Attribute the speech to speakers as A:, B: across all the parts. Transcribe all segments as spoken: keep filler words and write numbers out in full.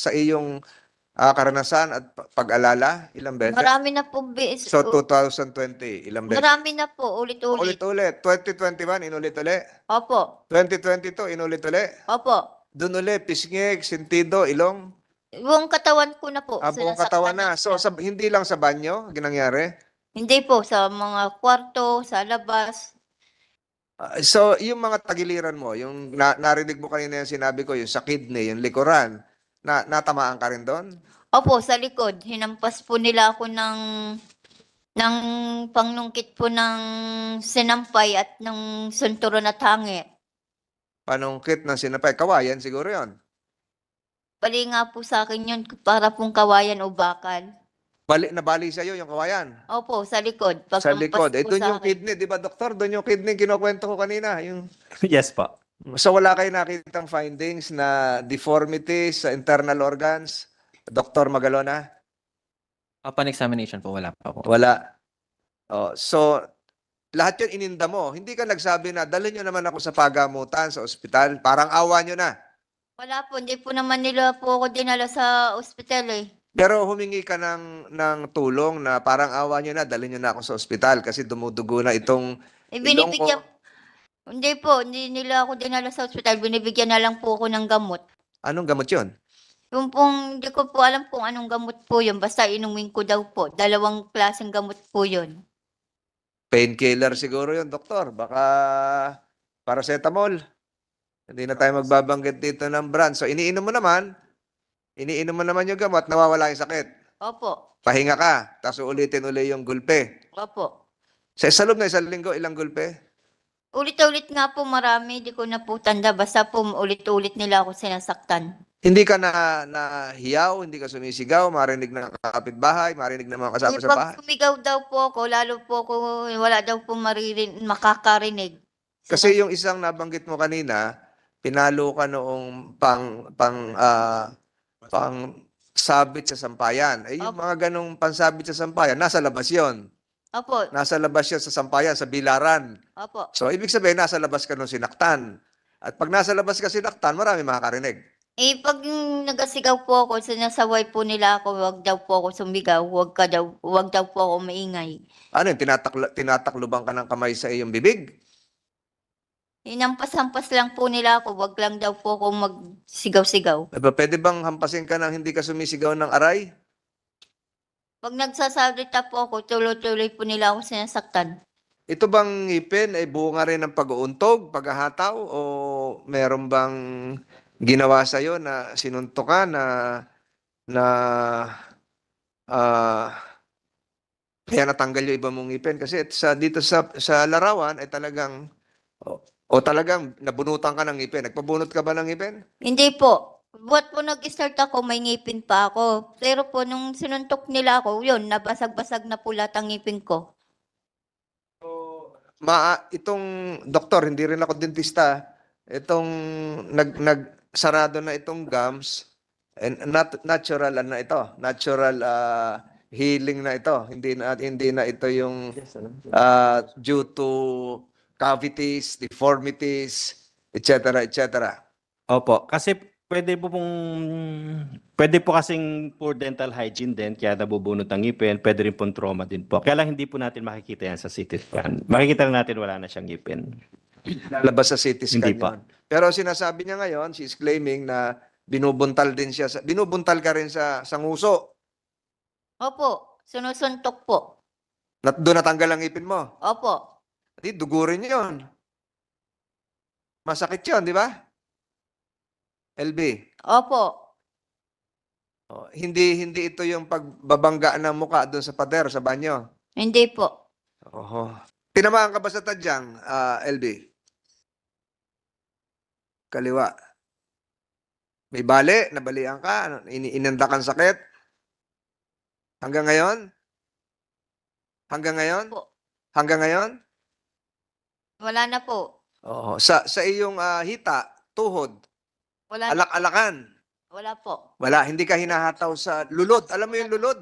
A: sa iyong ah, karanasan at pa- pag-alala? Ilang beses?
B: Marami na po bis,
A: So,
B: u-
A: twenty twenty, ilang beses?
B: marami na po, ulit-ulit.
A: Ulit-ulit. twenty twenty-one, inulit-uli.
B: Opo,
A: twenty twenty-two, inulit-uli.
B: opo.
A: Doon uli, pisngik, sentido, ilong.
B: Buong katawan ko na po,
A: Ah, buong katawan
B: sinasaktan
A: na. So,
B: siya.
A: sa, hindi lang sa banyo, ginangyari.
B: Hindi po, sa mga kwarto, sa labas.
A: Ah, so, yung mga tagiliran mo, yung na, narinig mo kanina yung sinabi ko, yung sa kidney, yung likuran, na, natamaan ka rin doon?
B: Opo, sa likod. Hinampas po nila ako ng ng pangnungkit po ng sinampay at ng sunturon at hangi.
A: Panungkit ng sinapay. Kawayan siguro yon.
B: Bali nga po sa akin yun, para pong kawayan o bakal.
A: Bali, nabali sa'yo yung kawayan.
B: Opo, sa likod.
A: Sa
B: Pagkampas
A: likod. Eh,
B: po
A: doon
B: sa
A: yung
B: akin.
A: kidney, di ba, doktor? Doon yung kidney, kinukwento ko kanina. Yung...
C: Yes po.
A: So, wala kayo nakitang findings na deformities sa internal organs? Doktor Magalona?
C: Upon examination po, wala pa po.
A: Wala. Oh, so, lahat yun ininda mo. Hindi ka nagsabi na, dalhin nyo naman ako sa pagamutan, sa ospital. Parang awa nyo na.
B: Wala po, hindi po naman nila po ako dinala sa ospital eh.
A: Pero humingi ka ng, ng tulong na parang awa nyo na, dalhin nyo na ako sa ospital kasi dumudugo na itong
B: Eh,
A: ilong ko.
B: binibigyan, hindi po, hindi nila ako dinala sa ospital. Binibigyan na lang po ako ng gamot.
A: Anong gamot yun?
B: Yung pong, hindi ko po alam kung anong gamot po yun. Basta inumin ko daw po. Dalawang klaseng gamot po yun.
A: Painkiller siguro yun, doktor. Baka paracetamol. Hindi na tayo magbabanggit dito ng brand. So, iniinom mo naman, iniinom mo naman yung gamot, nawawala yung sakit.
B: Opo,
A: Pahinga ka, tapos ulitin uli yung gulpe.
B: opo.
A: Sa sa loob na isang linggo, ilang gulpe?
B: Ulit-ulit nga po marami, di ko na po tanda. Basta po ulit-ulit nila ako sinasaktan.
A: Hindi ka na nahiyaw, hindi ka sumisigaw, marinig ng kapitbahay, marinig ng mga kasama
B: Eh,
A: sa
B: pag
A: bahay.
B: sumigaw daw po ako, lalo po ako, wala daw po maririn, makakarinig.
A: Kasi yung isang nabanggit mo kanina, pinalo ka noong pang pang ah, pang sabit sa sampayan. Eh yung
B: Opo.
A: mga ganong pansabit sa sampayan, nasa labas 'yon.
B: Opo,
A: Nasa labas 'yon sa sampayan, sa bilaran.
B: opo.
A: So ibig sabihin nasa labas ka nung sinaktan. At pag nasa labas ka sinaktan, marami makakarinig.
B: Eh, pag yung nagasigaw po ako, sinasaway po nila ako, wag daw po ako sumigaw, wag ka daw, wag daw po ako maingay.
A: Ano yun, tinatakla, tinatakluban ka ng kamay sa iyong bibig?
B: Hinampas-hampas lang po nila ako, wag lang daw po ako magsigaw-sigaw.
A: Eh, ba, pwede bang hampasin ka ng hindi ka sumisigaw ng aray?
B: Pag nagsasalita po ako, tuloy-tuloy po nila ako sinasaktan.
A: Ito bang ngipin ay bunga rin ng pag-uuntog, paghahataw, o meron bang ginawa sa'yo na sinunto ka na na ah kaya natanggal yung iba mong ngipin? Kasi sa, dito sa, sa larawan ay talagang o, o talagang nabunutan ka ng ngipin. Nagpabunot ka ba ng ngipin?
B: Hindi po. Buat po nag-start ako, may ngipin pa ako. Pero po, nung sinuntok nila ako, yun, nabasag-basag na po lahat ang ngipin ko.
A: Ma, itong doktor, hindi rin ako dentista. Itong nag nagsarado na itong gums, and nat, natural ano ito, natural ah, healing na ito. Hindi na hindi na ito yung ah, due to cavities, deformities, et cetera, et cetera.
C: Opo, kasi pwede po pong pwede po kasing poor dental hygiene din kaya nabubunot ang ngipin, pwede rin pong trauma din po. Kaya lang hindi po natin makikita yan sa C T scan. Makikita lang natin wala na siyang ngipin.
A: Lalabas sa C T scan
C: Hindi pa.
A: yun. Pero sinasabi niya ngayon, she's claiming na binubuntal din siya. Sa, binubuntal ka rin sa, sa nguso.
B: Opo, sinusuntok po.
A: Nat, doon natanggal ang ngipin mo.
B: Opo.
A: Di, dugo rin yun. Masakit yun, di ba? L B.
B: Opo.
A: Oh, hindi hindi ito yung pagbabangga ng muka doon sa pader, sa banyo.
B: Hindi po.
A: Oho. Tinamaan ka ba sa tadyang, ah, L B? Kaliwa. May bali, nabalian ka, ano, ini inandakan sakit? Hanggang ngayon? Hanggang ngayon?
B: Po.
A: Hanggang ngayon?
B: Wala na po.
A: Oo. Sa sa iyong ah, hita, tuhod,
B: Wala na.
A: alak-alakan.
B: Wala po.
A: Wala, hindi ka hinahataw sa lulod. Alam mo yung lulod?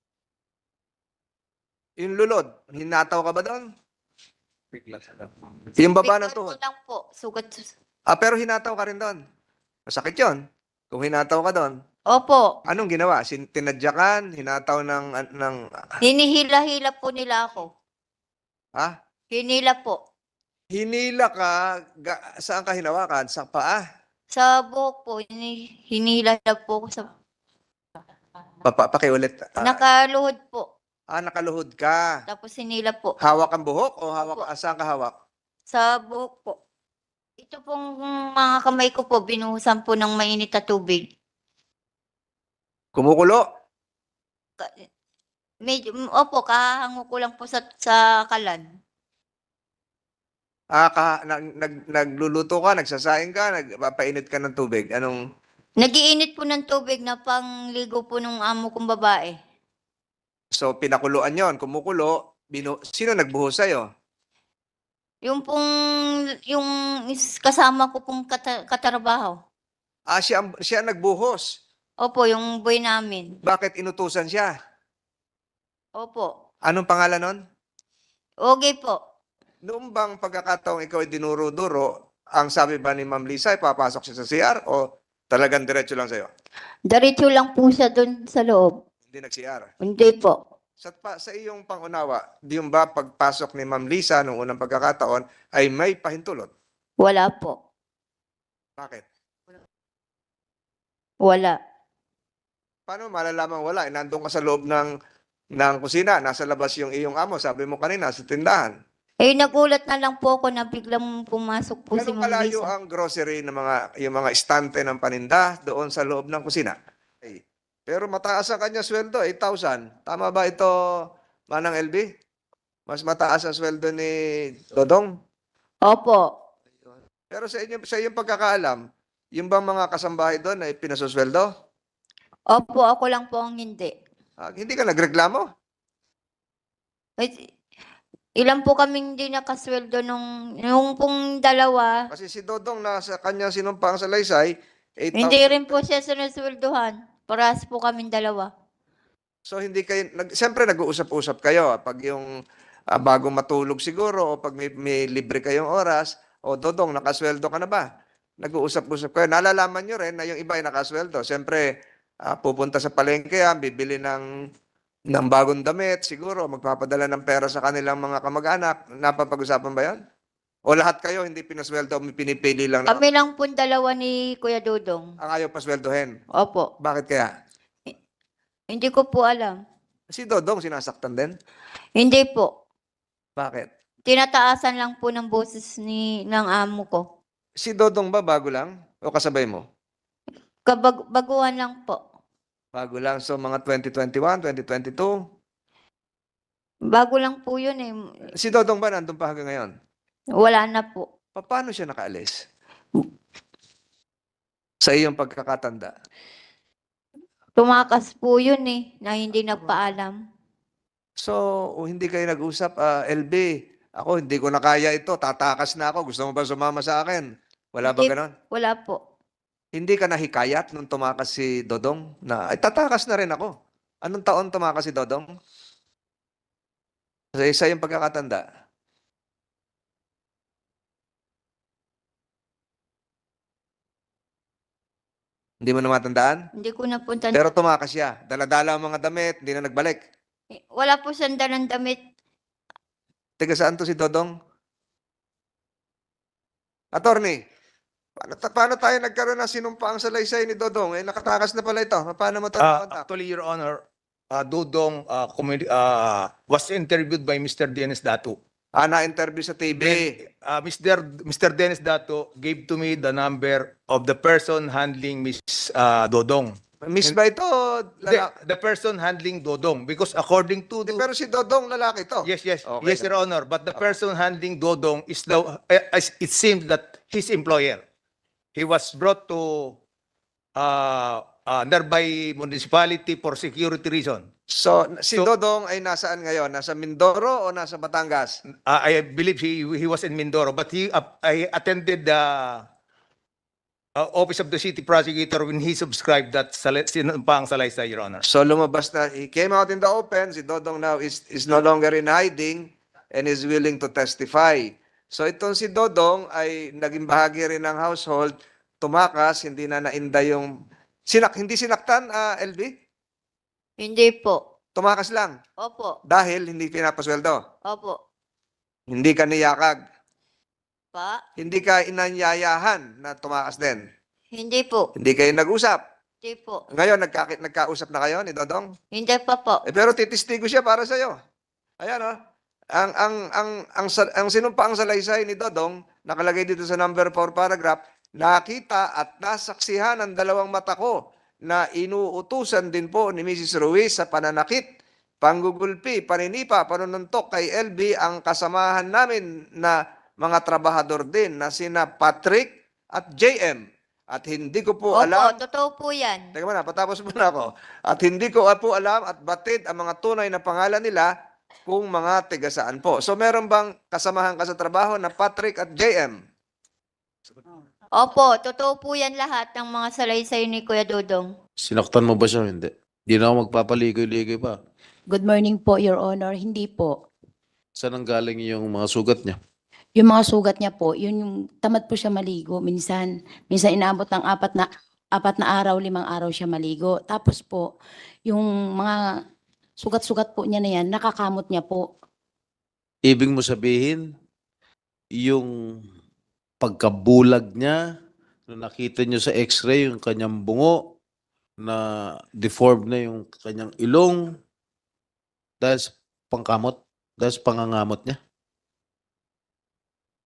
A: Yung lulod, hinataw ka ba doon? Yung baba ng
B: Picture
A: tuhod.
B: ko lang po. Sugat.
A: Ah, pero hinataw ka rin doon. Masakit yun. Kung hinataw ka doon,
B: Opo.
A: anong ginawa? Sin tinadyakan, hinataw ng ng
B: Hinihila-hila po nila ako.
A: ha?
B: Hinila po.
A: Hinila ka, ga, saan ka hinawakan? Sa paa?
B: Sa buhok po, hini, hinila po ko sa...
A: Papa, pakiulit. Ah,
B: Nakaluhod po.
A: ah, nakaluhod ka.
B: Tapos hinila po.
A: Hawak ang buhok o hawak,
B: Opo.
A: ah, saan ka hawak?
B: Sa buhok po. Ito pong mga kamay ko po, binuhusan po ng mainit na tubig.
A: Kumukulo?
B: Ka- Medyo, opo, kahango ko lang po sa, sa kalan.
A: Ah, ka, nag, nag, nagluluto ka, nagsasaing ka, nagpapainit ka ng tubig. Anong,
B: Nagiinit po ng tubig na pangligo po nung amo kong babae.
A: so pinakuluan yon, kumukulo, binu, sino nagbuhos sa'yo?
B: Yung pong, yung is- kasama ko pong kata, katrabaho.
A: Ah, siya, ang- siya ang nagbuhos.
B: Opo, yung boy namin.
A: Bakit inutusan siya?
B: Opo.
A: Anong pangalan nun?
B: Okay po.
A: Noong bang pagkakataong ikaw ay dinuro-duro, ang sabi ba ni Ma'am Lisa ay papasok siya sa C R o talagang diretso lang sa'yo?
B: Diretso lang po siya doon sa loob.
A: Hindi nag-C R.
B: Hindi po.
A: Sa, pa, sa iyong pangunawa, di yung ba pagpasok ni Ma'am Lisa noong unang pagkakataon ay may pahintulot?
B: Wala po.
A: Bakit?
B: Wala.
A: Paano malalaman wala? Eh, nandun ka sa loob ng, ng kusina, nasa labas yung iyong amo, sabi mo kanina, sa tindahan.
B: Eh, nagulat na lang po ako na biglang pumasok po si
A: Ganun
B: Ma'am
A: kalayo
B: Lisa.
A: ang grocery ng mga, yung mga estante ng paninda doon sa loob ng kusina. Okay. Pero mataas ang kanya sweldo, eight thousand. Tama ba ito, Manang L B? Mas mataas ang sweldo ni Dodong?
B: Opo.
A: Pero sa inyo, sa iyong pagkakaalam, yung bang mga kasambahay doon ay pinasusweldo?
B: Opo, ako lang po ang hindi.
A: Ah, hindi ka nagreklamo?
B: Eh, ilan po kaming hindi nakasweldo nung, nung pong dalawa.
A: Kasi si Dodong nasa kanyang sinumpang salaysay, eight
B: Hindi
A: thousand.
B: rin po siya sinusweldohan. Parehas po kaming dalawa.
A: So hindi kayo, nag, siyempre nag-uusap-usap kayo. ah, Pag yung ah, bago matulog siguro, o pag may, may libre kayong oras, o Dodong, nakasweldo ka na ba? Nag-uusap-usap kayo. Nalalaman nyo rin na yung iba ay nakasweldo. Siyempre, ah, pupunta sa palengke yan, bibili ng, ng bagong damit, siguro, magpapadala ng pera sa kanilang mga kamag-anak. Napapag-usapan ba yan? O lahat kayo hindi pinasweldo, may pinipili lang na
B: Kami lang po dalawa ni Kuya Dudong.
A: ang ayaw pasweldohin.
B: Opo.
A: Bakit kaya?
B: Hindi ko po alam.
A: Si Dodong sinasaktan din?
B: Hindi po.
A: Bakit?
B: Tinataasan lang po ng boses ni ng amo ko.
A: Si Dodong ba bago lang? O kasabay mo?
B: Kabag baguhan lang po.
A: Bago lang. So mga twenty twenty-one, twenty twenty-two.
B: Bago lang po yun eh.
A: Si Dodong ba nandun pa hanggang ngayon?
B: Wala na po.
A: Pa- Paano siya nakaalis? Sa iyong pagkakatanda.
B: Tumakas po yun eh, na hindi nagpaalam.
A: So, o hindi kayo nag-usap, ah, L B, ako hindi ko na kaya ito, tatakas na ako. Gusto mo ba sumama sa akin? Wala ba
B: Hindi-
A: ganon?
B: Wala po.
A: Hindi ka nahikayat nung tumakas si Dodong na, ay tatakas na rin ako. Anong taon tumakas si Dodong? Sa isa yung pagkakatanda. Hindi mo na matandaan?
B: Hindi ko na po tan-
A: Pero tumakas siya. Daladala ang mga damit, hindi na nagbalik.
B: Wala po siyang dalang damit.
A: Taga saan to si Dodong? Attorney, paano, ta- paano tayo nagkaroon ng sinumpaang salaysay ni Dodong? Eh, nakatakas na pala ito. Paano mo ito
D: Uh,
A: nakontak?
D: actually, Your Honor, uh, Dudong uh, communi- uh, was interviewed by Mister Dennis Datu.
A: Ah, na-interview sa T V.
D: Uh, Mister Mister Dennis Datu gave to me the number of the person handling Miss uh, Dodong.
A: Miss ba ito?
D: The,
A: Lala-
D: the person handling Dodong, because according to
A: Di,
D: the,
A: pero si Dodong lalaki to.
D: yes, yes,
A: Okay.
D: yes, Your Honor, but the person handling Dodong is the, uh, it seems that his employer. He was brought to uh, uh, nearby municipality for security reason.
A: So, si
D: So-
A: Dodong ay nasaan ngayon? Nasa Mindoro o nasa Batangas?
D: Uh, I believe he he was in Mindoro, but he uh, I attended the uh, office of the city prosecutor when he subscribed that sal- sinumpang salaysay, Your Honor.
A: So, lumabas na. He came out in the open. Si Dodong now is, is no longer in hiding and is willing to testify. So, itong si Dodong ay naging bahagi rin ng household. Tumakas, hindi na nainda yung Sinak, hindi sinaktan, ah, L B?
B: Hindi po.
A: Tumakas lang
B: Opo.
A: dahil hindi pinapasweldo.
B: Opo.
A: Hindi ka niyakag.
B: Pa?
A: Hindi ka inanyayahan na tumakas din.
B: Hindi po.
A: Hindi kayo nag-usap.
B: Hindi po.
A: Ngayon, nagka, nagkausap na kayo ni Dodong?
B: Hindi pa po.
A: Eh, pero titistigo siya para sa iyo. Ayan oh. Ang ang ang ang ang, ang sinumpaang salaysay ni Dodong nakalagay dito sa number four paragraph, nakita at nasaksihan ng dalawang mata ko na inuutusan din po ni Missus Ruiz sa pananakit, panggugulpi, paninipa, panununtok kay L B ang kasamahan namin na mga trabahador din na sina Patrick at J M. At hindi ko po
B: Opo,
A: alam.
B: totoo po yan.
A: Teka muna, patapos muna ako. At hindi ko po alam at batid ang mga tunay na pangalan nila kung mga tigasaan po. So meron bang kasamahan ka sa trabaho na Patrick at J M?
B: Opo, totoo po yan lahat ng mga salaysay ni Kuya Dodong.
E: Sinaktan mo ba siya? Hindi. Hindi na ako magpapaligoy-ligoy pa.
F: Good morning po, Your Honor. Hindi po.
E: Saan ang galing yung mga sugat niya?
F: Yung mga sugat niya po, yun yung tamad po siya maligo. Minsan, minsan inaabot ng apat na, apat na araw, limang araw siya maligo. Tapos po, yung mga sugat-sugat po niya na yan, nakakamot niya po.
E: Ibig mo sabihin, yung pagkabulag niya, nung nakita niyo sa x-ray, yung kanyang bungo, na deformed na yung kanyang ilong, dahil sa pangkamot, dahil sa pangangamot niya.